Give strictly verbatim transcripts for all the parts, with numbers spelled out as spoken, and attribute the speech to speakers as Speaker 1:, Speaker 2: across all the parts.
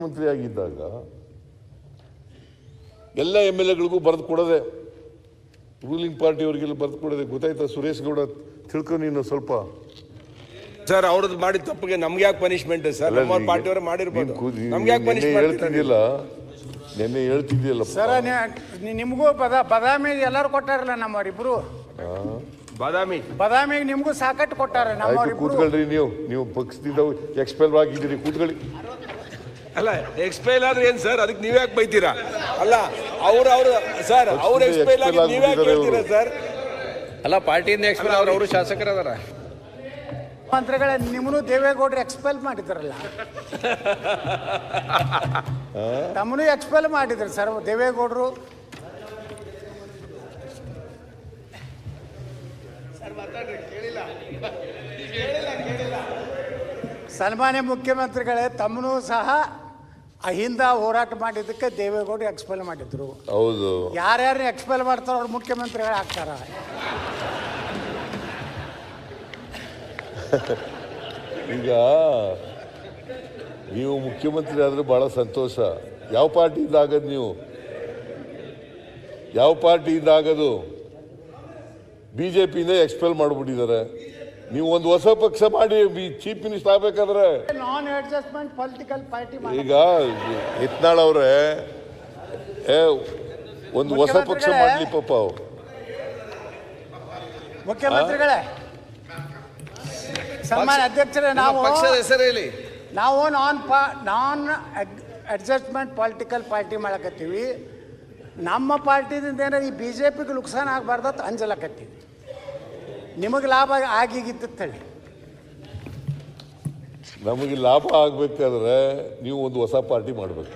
Speaker 1: ಮಂತ್ರಿ ಆಗಿದ್ದಾಗ ಎಲ್ಲ ಎಮ್ ಎಲ್ ಎಗಳಿಗೂ ಬರೆದು ಕೊಡೋದೆ, ರೂಲಿಂಗ್ ಪಾರ್ಟಿಯವರಿಗೆಲ್ಲ ಬರೆದು ಕೊಡೋದೆ. ಗೊತ್ತಾಯ್ತಾ ಸುರೇಶ್ ಗೌಡ? ತಿಳ್ಕೊ ನೀನು ಸ್ವಲ್ಪ.
Speaker 2: ಸರ್ ಅವ್ರದ್ದು ಮಾಡಿದ ತಪ್ಪಿಗೆ ನಮ್ಗೆ ಯಾಕೆ ಪನಿಷ್ಮೆಂಟ್ ಸರ್? ನಮ್ಮ ಪಾರ್ಟಿಯವರು ಮಾಡಿರ್ಬೋದು, ನಮ್ಗೆ ಯಾಕೆ ಪನಿಷ್ಮೆಂಟ್
Speaker 1: ಹೇಳ್ತಿದ್ದಿಲ್ಲ? ನೆನ್ನೆ ಹೇಳ್ತಿದ್ದಿಲ್ಲ
Speaker 3: ಸರ್. ನಿಮಗೂ ಬದ ಬದಾಮಿಗೆ ಎಲ್ಲರೂ ಕೊಟ್ಟಾರಲ್ಲ ನಮ್ಮವರಿಬ್ರು.
Speaker 2: ಬಾದಾಮಿ
Speaker 3: ಬದಾಮಿಗೆ ನಿಮಗೂ ಸಾಕಟ್ಟು ಕೊಟ್ಟಾರ ನಮ್ಮವರಿಬ್ರು.
Speaker 1: ಕೂತ್ಕೊಳ್ರಿ, ನೀವು ನೀವು ಪಕ್ಷದಿಂದ ಎಕ್ಸ್ಪೆಲ್ ಆಗಿದ್ದೀರಿ, ಕೂತ್ಕೊಳ್ಳಿ.
Speaker 2: ಅಲ್ಲ ಎಕ್ಸ್ಪೈಲ್ ಆದ್ರೆ ಏನ್ ಸರ್? ಅದಕ್ಕೆ ನೀವ್ ಯಾಕೆ ಬೈತೀರಾ? ಅಲ್ಲ ಅವ್ರು ಅವ್ರು ಸರ್ ಅವ್ರು ಎಕ್ಸ್ಪೈಲ್ ಆಗಿ ನೀವ್ ಯಾಕೆ ಹೇಳ್ತೀರಾ ಸರ್?
Speaker 4: ಅಲ್ಲ ಪಾರ್ಟಿಯಿಂದ ಎಕ್ಸ್ಪೈಲ್ ಅವ್ರು ಅವರು ಶಾಸಕರು ಅದಾರ.
Speaker 3: ಮಂತ್ರಿಗಳ ನಿಮ್ಮನ್ನು ದೇವೇಗೌಡರು ಎಕ್ಸ್ಪೆಲ್ ಮಾಡಿದ್ರಲ್ಲ, ತಮ್ಮನು ಎಕ್ಸ್ಪೆಲ್ ಮಾಡಿದ್ರು ಸರ್ ದೇವೇಗೌಡರು. ಸನ್ಮಾನ್ಯ ಮುಖ್ಯಮಂತ್ರಿಗಳೇ, ತಮ್ಮನು ಸಹ ಅಹಿಂದ ಹೋರಾಟ ಮಾಡಿದ್ದಕ್ಕೆ ದೇವೇಗೌಡರು ಎಕ್ಸ್ಪೆಲ್ ಮಾಡಿದ್ರು.
Speaker 1: ಹೌದು,
Speaker 3: ಯಾರ್ಯಾರು ಎಕ್ಸ್ಪೆಲ್ ಮಾಡ್ತಾರೋ ಅವ್ರು ಮುಖ್ಯಮಂತ್ರಿಗಳು ಆಗ್ತಾರ.
Speaker 1: ಈಗ ನೀವು ಮುಖ್ಯಮಂತ್ರಿ ಆದ್ರೆ ಬಹಳ ಸಂತೋಷ. ಯಾವ ಪಾರ್ಟಿಯಿಂದ ಆಗದು? ನೀವು ಯಾವ ಪಾರ್ಟಿಯಿಂದ ಆಗದು? ಬಿಜೆಪಿಯಿಂದ ಎಕ್ಸ್ಪೆಲ್ ಮಾಡಿಬಿಟ್ಟಿದ್ದಾರೆ. ನೀವು ಒಂದು ಹೊಸ ಪಕ್ಷ ಮಾಡಿ ಚೀಫ್ ಮಿನಿಸ್ಟರ್ ಆಗ್ಬೇಕಾದ್ರೆ
Speaker 3: ನಾನ್ ಅಡ್ಜಸ್ಟ್ಮೆಂಟ್ ಪೊಲಿಟಿಕಲ್ ಪಾರ್ಟಿ. ಈಗ
Speaker 1: ಯತ್ನಾಳ್ ಅವ್ರೆ ಒಂದು ಹೊಸ ಪಕ್ಷ ಮಾಡ್ಲಿ ಪಾಪ. ಅವ್ರು
Speaker 3: ಮುಖ್ಯಮಂತ್ರಿಗಳೇ, ಸನ್ಮಾನ್ಯ ಅಧ್ಯಕ್ಷರೇ, ನಾವು
Speaker 4: ಪಕ್ಷದ ಹೆಸರು ಹೇಳಿ.
Speaker 3: ನಾವು ನಾನ್ ಪಾ ನಾನ್ ಅಡ್ಜಸ್ಟ್ಮೆಂಟ್ ಪೊಲಿಟಿಕಲ್ ಪಾರ್ಟಿ ಮಾಡಕತ್ತೀವಿ. ನಮ್ಮ ಪಾರ್ಟಿದಿಂದ ಏನಾರ ಈ ಬಿ ಜೆ ಪಿಗೆ ನುಕ್ಸಾನ ಆಗಬಾರ್ದತ್ ಅಂಜಲಕತ್ತೀವಿ. ನಿಮಗೆ ಲಾಭ ಆಗಿಗಿತ್ತು ಹೇಳಿ.
Speaker 1: ನಮಗೆ ಲಾಭ ಆಗ್ಬೇಕಾದ್ರೆ ನೀವು ಒಂದು ಹೊಸ ಪಾರ್ಟಿ ಮಾಡಬೇಕು.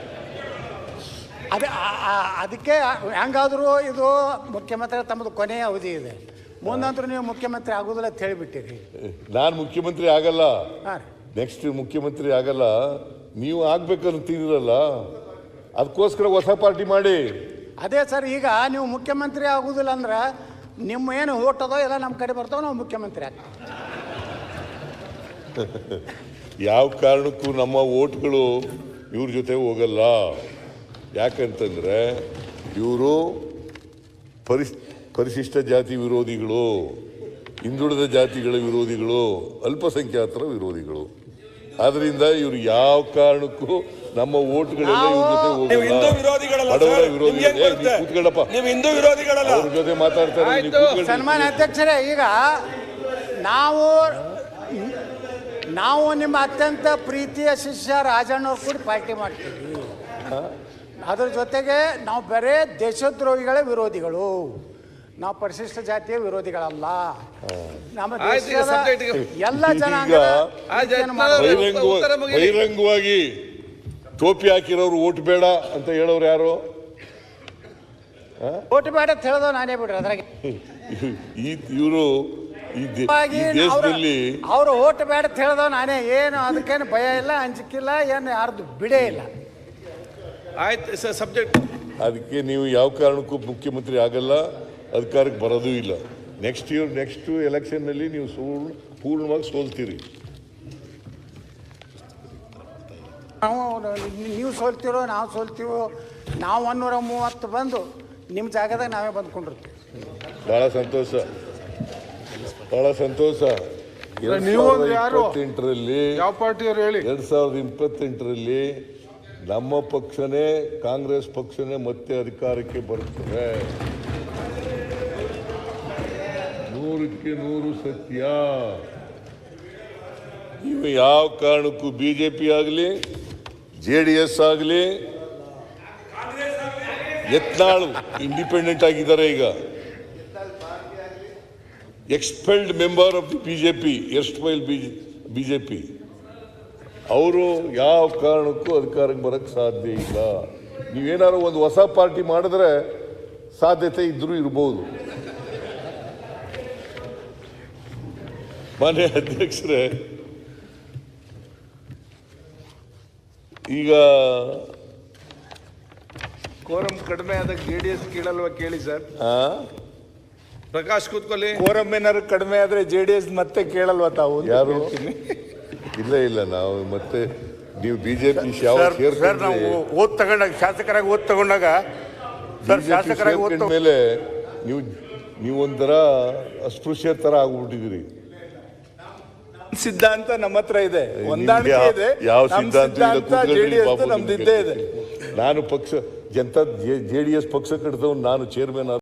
Speaker 3: ಅದೇ ಅದಕ್ಕೆ ಹೆಂಗಾದರೂ ಇದು ಮುಖ್ಯಮಂತ್ರಿ ತಮ್ಮದು ಕೊನೆಯ ಅವಧಿ ಇದೆ, ಮುಂದಂತರೂ ನೀವು ಮುಖ್ಯಮಂತ್ರಿ ಆಗೋದಿಲ್ಲ ಅಂತ ಹೇಳಿಬಿಟ್ಟಿರಿ.
Speaker 1: ನಾನು ಮುಖ್ಯಮಂತ್ರಿ ಆಗಲ್ಲ,
Speaker 3: ಹಾಂ ರೀ,
Speaker 1: ನೆಕ್ಸ್ಟ್ ಮುಖ್ಯಮಂತ್ರಿ ಆಗಲ್ಲ. ನೀವು ಆಗ್ಬೇಕಂತೀರಲ್ಲ, ಅದಕ್ಕೋಸ್ಕರ ಹೊಸ ಪಾರ್ಟಿ ಮಾಡಿ.
Speaker 3: ಅದೇ ಸರ್, ಈಗ ನೀವು ಮುಖ್ಯಮಂತ್ರಿ ಆಗೋದಿಲ್ಲ ಅಂದ್ರೆ ನಿಮ್ಮ ಏನು ಓಟ್ ಅದೋ ಎಲ್ಲ ನಮ್ಮ ಕಡೆ ಬರ್ತಾವೆ, ನಾವು ಮುಖ್ಯಮಂತ್ರಿ ಆಗ್ತೀವಿ.
Speaker 1: ಯಾವ ಕಾರಣಕ್ಕೂ ನಮ್ಮ ಓಟ್ಗಳು ಇವ್ರ ಜೊತೆ ಹೋಗಲ್ಲ. ಯಾಕಂತಂದರೆ ಇವರು ಪರಿಸ್ ಪರಿಶಿಷ್ಟ ಜಾತಿ ವಿರೋಧಿಗಳು, ಹಿಂದುಳಿದ ಜಾತಿಗಳ ವಿರೋಧಿಗಳು, ಅಲ್ಪಸಂಖ್ಯಾತರ ವಿರೋಧಿಗಳು. ಆದ್ರಿಂದ ಇವರು ಯಾವ ಕಾರಣಕ್ಕೂ ನಮ್ಮ ಓಟ್ಗಳೆಲ್ಲ ಇವ್ರ ಜೊತೆ ಹೋಗಲ್ಲ. ಬಡವರ ವಿರೋಧಿಗಳು. ಕೂತ್ಕೊಳ್ಳಪ್ಪ, ಅವ್ರ ಜೊತೆ ಮಾತಾಡ್ತಾರೆ.
Speaker 3: ಸನ್ಮಾನ್ಯ ಅಧ್ಯಕ್ಷರೇ, ಈಗ ನಾವು ನಾವು ನಿಮ್ಮ ಅತ್ಯಂತ ಪ್ರೀತಿಯ ಶಿಷ್ಯ ರಾಜಣ್ಣವ್ರು ಕೂಡ ಪಾರ್ಟಿ ಮಾಡ್ತೀವಿ. ಅದ್ರ ಜೊತೆಗೆ ನಾವು ಬರೇ ದೇಶದ್ರೋಹಿಗಳ ವಿರೋಧಿಗಳು, ನಾವು ಪರಿಶಿಷ್ಟ ಜಾತಿಯ ವಿರೋಧಿಗಳಲ್ಲ. ನಮ್ಮ ದೇಶದ ಎಲ್ಲ ಜನಾಂಗ
Speaker 1: ಬಹಿರಂಗವಾಗಿ ಟೋಪಿ ಹಾಕಿರೋರು ಓಟ್ ಬೇಡ ಅಂತ ಹೇಳೋರು ಯಾರು?
Speaker 3: ಓಟ್ ಬೇಡ ಅಂತ ಹೇಳೋದು ನಾನೇ ಬಿಡ್ರಿ. ಅದ್ರಾಗೆ
Speaker 1: ಇವರು ಈ ದೇಶದಲ್ಲಿ
Speaker 3: ಅವರು ಓಟ್ ಬೇಡ ಅಂತ ಹೇಳೋದು ನಾನೇ. ಏನು ಅದಕ್ಕೇನು ಭಯ ಇಲ್ಲ, ಅಂಜಿಕಿಲ್ಲ, ಏನು ಯಾರ್ದು ಬಿಡೇ ಇಲ್ಲ.
Speaker 2: ಆಯ್ತು ಸರ್, ಸಬ್ಜೆಕ್ಟ್.
Speaker 1: ಅದಕ್ಕೆ ನೀವು ಯಾವ ಕಾರಣಕ್ಕೂ ಮುಖ್ಯಮಂತ್ರಿ ಆಗಲ್ಲ, ಅಧಿಕಾರಕ್ಕೆ ಬರೋದೂ ಇಲ್ಲ. ನೆಕ್ಸ್ಟ್ ಇಯರ್ ನೆಕ್ಸ್ಟ್ ಎಲೆಕ್ಷನ್ನಲ್ಲಿ ನೀವು ಸೋಲ್ ಪೂರ್ಣವಾಗಿ ಸೋಲ್ತೀರಿ.
Speaker 3: ನಾವು ನೀವು ಸೋಲ್ತಿರೋ ನಾವು ಸೋಲ್ತೀವೋ, ನಾವು ಒನ್ನೂರ ಮೂವತ್ತು ಬಂದು ನಿಮ್ಮ ಜಾಗದಾಗ ನಾವೇ ಬಂದ್ಕೊಂಡಿರ್ತೀವಿ.
Speaker 1: ಭಾಳ ಸಂತೋಷ, ಭಾಳ ಸಂತೋಷ. ಇಪ್ಪತ್ತೆಂಟರಲ್ಲಿ
Speaker 5: ಯಾವ ಪಾರ್ಟಿಯವರು ಹೇಳಿ?
Speaker 1: ಎರಡ್ ಸಾವಿರದ ಇಪ್ಪತ್ತೆಂಟರಲ್ಲಿ ನಮ್ಮ ಪಕ್ಷನೇ, ಕಾಂಗ್ರೆಸ್ ಪಕ್ಷನೇ ಮತ್ತೆ ಅಧಿಕಾರಕ್ಕೆ ಬರುತ್ತದೆ. ನೂರಕ್ಕೆ ನೂರು ಸತ್ಯ. ನೀವು ಯಾವ ಕಾರಣಕ್ಕೂ ಬಿಜೆಪಿ ಆಗಲಿ, ಜೆ ಡಿ ಎಸ್ ಆಗಲಿ, ಯತ್ನಾಳ್ ಇಂಡಿಪೆಂಡೆಂಟ್ ಆಗಿದ್ದಾರೆ. ಈಗ expelled member of the BJP, erstwhile BJP, ಅವರು ಯಾವ ಕಾರಣಕ್ಕೂ ಅಧಿಕಾರಕ್ಕೆ ಬರಕ್ಕೆ ಸಾಧ್ಯ ಇಲ್ಲ. ನೀವೇನಾದ್ರು ಒಂದು ಹೊಸ ಪಾರ್ಟಿ ಮಾಡಿದ್ರೆ ಸಾಧ್ಯತೆ ಇದ್ರೂ ಇರ್ಬೋದು. ಮಾನ್ಯ ಅಧ್ಯಕ್ಷರೇ, ಈಗ
Speaker 5: ಕೋರಂ ಕಡಿಮೆ ಆದಾಗ ಜೆ ಡಿ ಎಸ್ ಕೇಳಲ್ವಾ? ಕೇಳಿ ಸರ್.
Speaker 2: ಪ್ರಕಾಶ್ ಕೂತ್ಕೊಳ್ಳಿ.
Speaker 5: ಕೋರಂ ಏನಾದ್ರು ಕಡಿಮೆ ಆದ್ರೆ ಜೆ ಡಿ ಎಸ್ ಮತ್ತೆ ಕೇಳಲ್ವಾ ತಾವು?
Speaker 1: ಯಾರು? ಇಲ್ಲ ಇಲ್ಲ, ನಾವು ಮತ್ತೆ ನೀವು ಬಿಜೆಪಿ ಯಾವ
Speaker 6: ಸರ್ ಸರ್ ನಾವು ಓದ್ ತಗೊಂಡಾಗ ಶಾಸಕರಾಗಿ ಓದ್ ತಗೊಂಡಾಗ ಸರ್ ಶಾಸಕರಾಗಿ ಓದ್ ತಗೊಂಡ್
Speaker 1: ಮೇಲೆ ನೀವು ನೀವೊಂಥರ ಅಸ್ಪೃಶ್ಯ ತರ ಆಗ್ಬಿಟ್ಟಿದ್ದೀರಿ.
Speaker 6: ಸಿದ್ಧಾಂತ ನಮ್ಮ ಹತ್ರ ಇದೆ, ಹೊಂದಾಣಿಕೆ
Speaker 1: ಯಾವ-
Speaker 6: ಇದೆ.
Speaker 1: ಯಾವ
Speaker 6: ನಮ್
Speaker 1: ಸಿದ್ಧಾಂತ ಇಲ್ಲ,
Speaker 6: ಸಿದ್ಧಾಂತ
Speaker 1: ಕೂತ್ಕೊಳ್ಳಿ
Speaker 6: ಜೆಡಿಎಸ್
Speaker 1: ಬಾಬು,
Speaker 6: ನಮ್ದು
Speaker 1: ನಿಮ್ಗೆ
Speaker 6: ಇದ್ದೇ ಇದೆ.
Speaker 1: ನಾನು ಪಕ್ಷ ಜನತಾ ಜೆ ಡಿ ಎಸ್ ಪಕ್ಷ ಕಟ್ಟಿದವನು ನಾನು ಚೇರ್ಮನ್